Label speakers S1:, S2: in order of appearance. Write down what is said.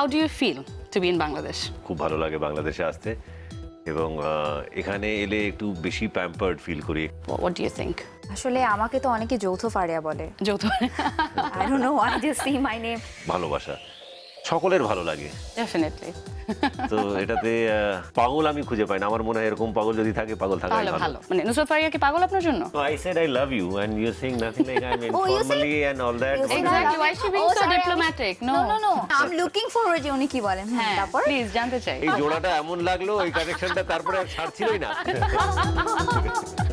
S1: do you feel to be in Bangladesh?
S2: খুব ভালো লাগে বাংলাদেশে আসতে এবং এখানে এলে একটু বেশি প্যাম্পার্ড ফিল করি।
S1: What do you think?
S3: আসলে আমাকে তো অনেকে যৌথ ফারিয়া বলে।
S1: যৌথ
S3: I don't know why they see my name.
S2: ভালোবাসা সকলের ভালো লাগে,
S1: Definitely.
S2: তো এটাতে পাগল আমি খুঁজে পাই না। আমার মনে হয় এরকম পাগল যদি থাকে, পাগল থাকাই
S1: তাহলে
S2: ভালো।
S1: ভালো। মানে নুসরাত ফারিয়া কি পাগল আপনার জন্য?
S2: So I said I love you and you're saying nothing like I'm
S3: Oh, you said-
S2: informally and all that.
S3: you said
S1: Exactly. Why is she being
S3: Oh,
S1: so
S3: sorry,
S1: diplomatic?
S3: No, I'm looking forward যে উনি কি বলেন।
S1: হ্যাঁ,
S3: তারপর
S1: please জানতে চাই।
S2: এই জোড়াটা এমন লাগলো, এই কানেকশনটা তারপরে আর ছাড়ছিলই না।